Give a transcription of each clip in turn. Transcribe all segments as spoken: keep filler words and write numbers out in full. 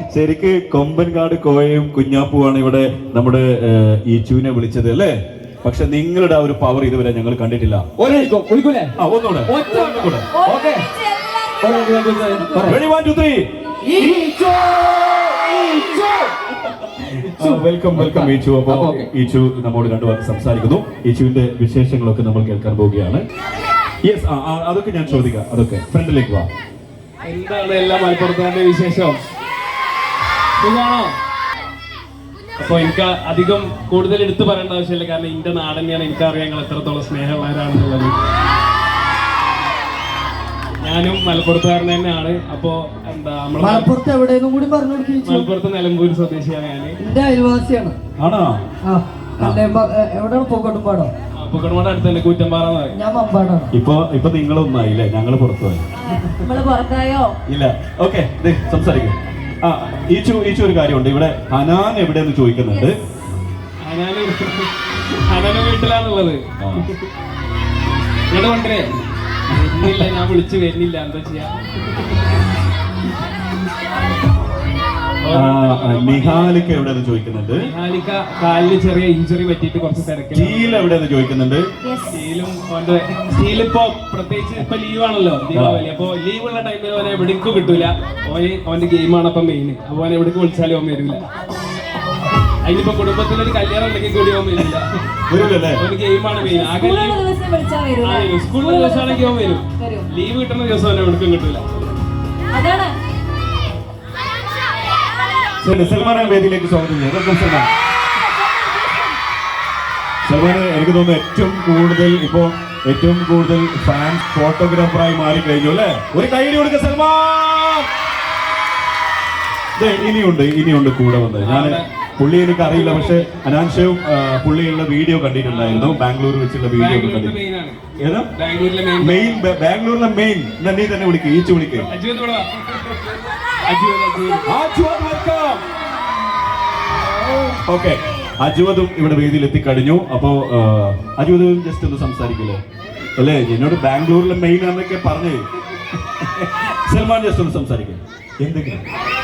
ശരിക്ക് കൊമ്പൻകാട് കോയയും കുഞ്ഞാപ്പുവാണ് ഇവിടെ നമ്മുടെ ഈച്ചുവിനെ വിളിച്ചത് അല്ലേ? പക്ഷെ നിങ്ങളുടെ ആ ഒരു പവർ ഇതുവരെ ഞങ്ങൾ കണ്ടിട്ടില്ല. ആ ഒന്നുകൂടെ വെൽക്കം വെൽക്കം ഈച്ചു. അപ്പൊ ഈച്ചു നമ്മോട് രണ്ടു വാക്ക് സംസാരിക്കുന്നു. ഈച്ചുവിന്റെ വിശേഷങ്ങളൊക്കെ നമ്മൾ കേൾക്കാൻ പോവുകയാണ്. യെസ്, അതൊക്കെ ഞാൻ ചോദിക്കാം. അതൊക്കെ ഫ്രണ്ടിലേക്ക് വാ. എന്താണ് എല്ലാ മലപ്പുറത്തിന്റെ വിശേഷം? സുഖാണോ? അപ്പൊ എനിക്ക് അധികം കൂടുതൽ എടുത്തു പറയേണ്ട ആവശ്യമില്ല, കാരണം എന്റെ നാട് തന്നെയാണ്. എനിക്കറിയാം നിങ്ങൾ എത്രത്തോളം സ്നേഹമുള്ളവരാണെന്നുള്ളത്. ഞാനും മലപ്പുറത്തുകാരൻ തന്നെയാണ്. അപ്പൊ എന്താ നമ്മള് മലപ്പുറത്ത് എവിടെയെന്നും കൂടി പറഞ്ഞു കൊടുക്കും. മലപ്പുറത്ത് നിലമ്പൂർ സ്വദേശിയാണ് ഞാൻ. എന്റെ അയൽവാസിയാണ്. ആണോ? എവിടെയാണ്? പൂക്കോട്ടുംപാടോ? പൂക്കോട്ടുംപാട് അടുത്ത് തന്നെ, കൂറ്റമ്പാറ. ഞാൻ മമ്പാടാണ്. ഇപ്പൊ ഇപ്പൊ നിങ്ങളൊന്നായില്ലേ? ഞങ്ങള് പുറത്തുപോയി. നമ്മള് പുറത്തായോ? ഇല്ല. ഓക്കെ, സംസാരിക്കും. ആ ഈച്ചു ഈച്ചു ഒരു കാര്യമുണ്ട്. ഇവിടെ ഹനാൻ എവിടെയെന്ന് ചോദിക്കുന്നുണ്ട്. ഹനാന് ഹനാന്റെ വീട്ടിലാണുള്ളത്. ഇവിടെ കൊണ്ടേ വരുന്നില്ല, ഞാൻ വിളിച്ചു വരുന്നില്ല. എന്താ ചെയ്യാ? നിഹാലിക്ക എവിടെയെന്ന് ചോദിക്കുന്നുണ്ട്. നിഹാലിക്ക കാലിന് ചെറിയ ഇഞ്ചുറി പറ്റിയിട്ട് കുറച്ച് തിരക്കില്ല. സ്റ്റീൽ എവിടെയെന്ന് ചോദിക്കുന്നുണ്ട്. സ്റ്റീലും സ്റ്റീൽ ഇപ്പൊ പ്രത്യേകിച്ച് ഇപ്പൊ ലീവാണല്ലോ, ദീപാവലി. അപ്പൊ ലീവ് ഉള്ള ടൈമിൽ ഓനെ എവിടേക്കും കിട്ടൂല. ഓന് അവന്റെ ഗെയിമാണ് അപ്പൊ മെയിൻ. അപ്പൊ ഓനെ എവിടേക്ക് വിളിച്ചാലും ഓൻ വരില്ല. അതിനിപ്പോ കുടുംബത്തിലൊരു കല്യാണം ഉണ്ടെങ്കിൽ കൂടി ഓൻ വരില്ല. ഓന് ഗെയിമാണ് മെയിൻ. ആ സ്കൂളിലെ ദിവസമാണെങ്കിൽ ഓൻ വരും. ലീവ് കിട്ടുന്ന ദിവസം ഓനെ എവിടേക്കും കിട്ടൂല. സൽമാനെ വേദിയിലേക്ക് സ്വാഗതം ചെയ്യാം. സൽമാൻ സൽമാന് എനിക്ക് തോന്നുന്നു ഏറ്റവും കൂടുതൽ ഇപ്പോ ഏറ്റവും കൂടുതൽ ഫാൻസ് ഫോട്ടോഗ്രാഫറായി മാറി കഴിഞ്ഞു അല്ലേ? ഒരു കൈയ്യടി കൊടുക്ക സൽമാൻ. ഇനിയുണ്ട് ഇനിയുണ്ട് കൂടെ വന്നത്. ഞാൻ പുള്ളി എനിക്ക് അറിയില്ല, പക്ഷെ അനാൻഷയും പുള്ളിയുള്ള വീഡിയോ കണ്ടിട്ടുണ്ടായിരുന്നു. ബാംഗ്ലൂർ വെച്ചുള്ള വീഡിയോ കണ്ടിട്ടുണ്ട്. ഏതാ മെയിൻ? ബാംഗ്ലൂരിലെ മെയിൻ. നീ തന്നെ വിളിക്കുക, ഈച്ചു വിളിക്കുക. ഓക്കെ, അജുവതും ഇവിടെ വേദിയിൽ എത്തിക്കഴിഞ്ഞു. അപ്പോ അജുവതും ജസ്റ്റ് ഒന്ന് സംസാരിക്കില്ലേ? അല്ലേ, എന്നോട് ബാംഗ്ലൂരിലെ മെയിൻ ആണെന്നൊക്കെ പറഞ്ഞേ. സൽമാൻ ജസ്റ്റ് ഒന്ന് സംസാരിക്കും എന്തെങ്കിലും.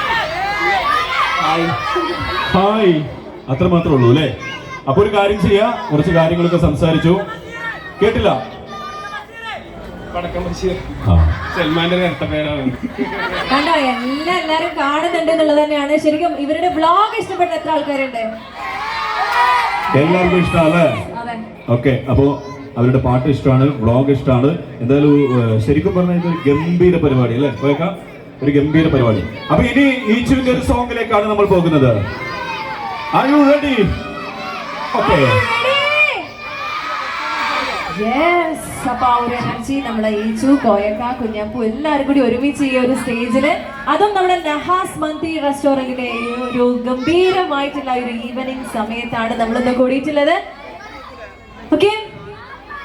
ഹായ്, അത്ര മാത്രമേ ഉള്ളൂ അല്ലേ? അപ്പൊ ഒരു കാര്യം ചെയ്യാ, കുറച്ച് കാര്യങ്ങളൊക്കെ സംസാരിച്ചു. കേട്ടില്ല? സൽമാന്റെ നേരത്തെ പേരാണ്. കണ്ടോ, എല്ലാം എല്ലാരും കാണുന്നുണ്ട് എന്നുള്ളത് തന്നെയാണ്. ശരിക്കും ഇവരുടെ വ്ലോഗ് ഇഷ്ടപ്പെട്ട എത്ര ആൾക്കാരുണ്ട്? എല്ലാവർക്കും ഇഷ്ടമല്ലേ? ഓക്കെ, അപ്പോ അവരുടെ പാട്ട് ഇഷ്ടമാണ്, വ്ലോഗ് ഇഷ്ടമാണ്. എന്തായാലും ശരിക്കും പറഞ്ഞാൽ ഇതൊരു ഗംഭീര പരിപാടി അല്ലേ? കേൾക്കാം, ഒരു ഗംഭീര പരിപാടി. അപ്പൊ ഇനി ഈച്ചുവിന്റെ ഒരു സോങ്ങിലേക്കാണ് നമ്മൾ പോകുന്നത്. Are you ready? Okay. Yes. അപ്പൊ ആ ഒരു എനർജി നമ്മളെ ഈച്ചു, കോയക്ക, കുഞ്ഞാപ്പു എല്ലാവരും കൂടി ഒരുമിച്ച് ഈ ഒരു സ്റ്റേജില്, അതും നമ്മുടെ നഹാസ് മന്തി റെസ്റ്റോറന്റിലെ ഒരു ഗംഭീരമായിട്ടുള്ള ഒരു ഈവനിങ് സമയത്താണ് നമ്മളിന്ന് കൂടിയിട്ടുള്ളത്. ഓക്കെ.